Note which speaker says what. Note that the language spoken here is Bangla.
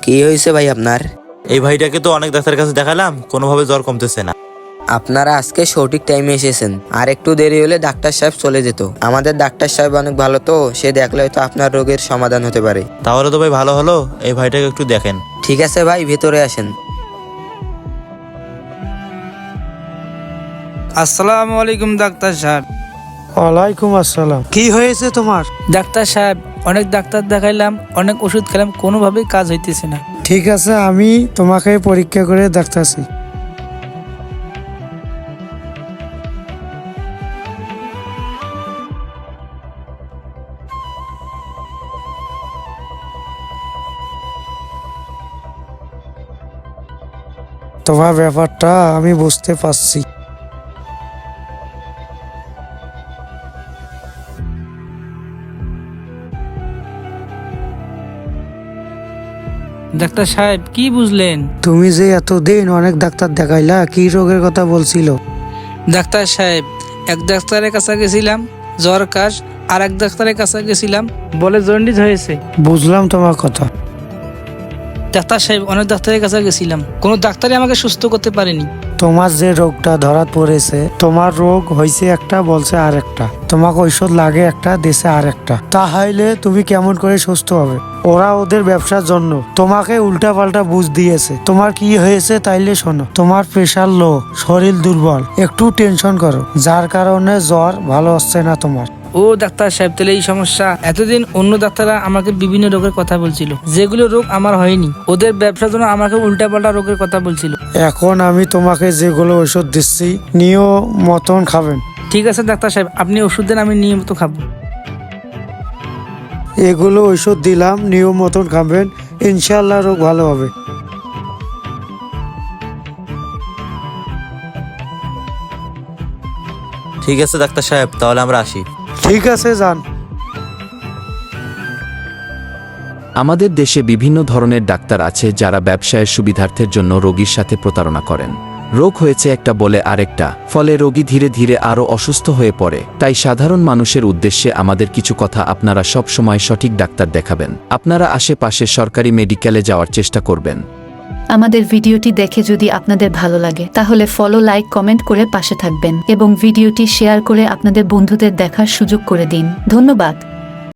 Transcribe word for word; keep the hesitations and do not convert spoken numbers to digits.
Speaker 1: কি হয়েছে ভাই আপনার?
Speaker 2: এই ভাইটাকে তো অনেক ডাক্তারের কাছে দেখালাম, কোনোভাবে জ্বর কমতেছে না।
Speaker 1: আপনারা আজকে সঠিক টাইমে এসেছেন, আর একটু দেরি হলে ডাক্তার সাহেব চলে যেত। আমাদের ডাক্তার সাহেব অনেক ভালো, তো সে দেখলে হয়তো আপনার রোগের সমাধান হতে পারে।
Speaker 2: তাহলে তো ভাই ভালো হলো, এই ভাইটাকে একটু দেখেন।
Speaker 1: ঠিক আছে ভাই, ভেতরে আসেন।
Speaker 3: আসসালামু আলাইকুম ডাক্তার সাহেব।
Speaker 4: ওয়ালাইকুম আসসালাম। কি হয়েছে তোমার?
Speaker 3: ডাক্তার সাহেব, অনেক ডাক্তার দেখাইলাম, অনেক ওষুধ খেলাম, কোনোভাবেই কাজ হইতেছে না।
Speaker 4: ঠিক আছে, আমি তোমাকে পরীক্ষা করে দেখতেছি। তোমার ব্যাপারটা আমি বুঝতে পারছি।
Speaker 3: ডাক্তার সাহেব, কি বুঝলেন?
Speaker 4: তুমি যে এতদিন অনেক ডাক্তার দেখাইলা, কি রোগের কথা বলছিল?
Speaker 3: ডাক্তার সাহেব, এক ডাক্তারের কাছে গেছিলাম জ্বর কাশ, আর এক ডাক্তারের কাছে গেছিলাম বলে জন্ডিস হয়েছে।
Speaker 4: বুঝলাম তোমার কথা।
Speaker 3: ডাক্তার সাহেব, অনেক ডাক্তারের কাছে গেছিলাম, কোনো ডাক্তারই আমাকে সুস্থ করতে পারেনি।
Speaker 4: তোমার যে রোগটা ধরা পড়েছে, তোমার রোগ হয়েছে একটা, বলছে আর একটা, তোমাকে ঔষধ লাগে একটা, দেশে আর একটা। তাহলে তুমি কেমন করে সুস্থ হবে? ওরা ওদের ব্যবসার জন্য তোমাকে উল্টা পাল্টা বুঝ দিয়েছে। তোমার কি হয়েছে তাইলে শোনো। তোমার প্রেশার লো, শরীর দুর্বল, একটু টেনশন করো, যার কারণে জ্বর ভালো হচ্ছে না তোমার।
Speaker 3: ও ডাক্তার সাহেব, তাহলে এই সমস্যা। এতদিন অন্য ডাক্তাররা আমাকে বিভিন্ন রোগের কথা বলছিল, যেগুলো রোগ আমার হয়নি। ওদের ব্যবসার জন্য আমাকে উল্টাপাল্টা রোগের কথা বলছিল।
Speaker 4: এখন আমি তোমাকে যেগুলো ওষুধ দিচ্ছি, নিয়ম মতন খাবেন।
Speaker 3: ঠিক আছে ডাক্তার সাহেব, আপনি ওষুধ দেন, আমি নিয়মিত খাবো।
Speaker 4: এগুলো ওষুধ দিলাম, নিয়ম মতন খাবেন, ইনশাল্লাহ রোগ ভালো হবে।
Speaker 2: ঠিক আছে ডাক্তার সাহেব, তাহলে আমরা আসি।
Speaker 4: ঠিক আছে, যান।
Speaker 5: আমাদের দেশে বিভিন্ন ধরনের ডাক্তার আছে যারা ব্যবসায়ের সুবিধার্থের জন্য রোগীর সাথে প্রতারণা করেন। রোগ হয়েছে একটা বলে আরেকটা, ফলে রোগী ধীরে ধীরে আরও অসুস্থ হয়ে পড়ে। তাই সাধারণ মানুষের উদ্দেশ্যে আমাদের কিছু কথা, আপনারা সব সময় সঠিক ডাক্তার দেখাবেন। আপনারা আশেপাশে সরকারি মেডিকেলে যাওয়ার চেষ্টা করবেন।
Speaker 6: আমাদের ভিডিওটি দেখে যদি আপনাদের ভালো লাগে তাহলে ফলো, লাইক, কমেন্ট করে পাশে থাকবেন এবং ভিডিওটি শেয়ার করে আপনাদের বন্ধুদের দেখার সুযোগ করে দিন। ধন্যবাদ।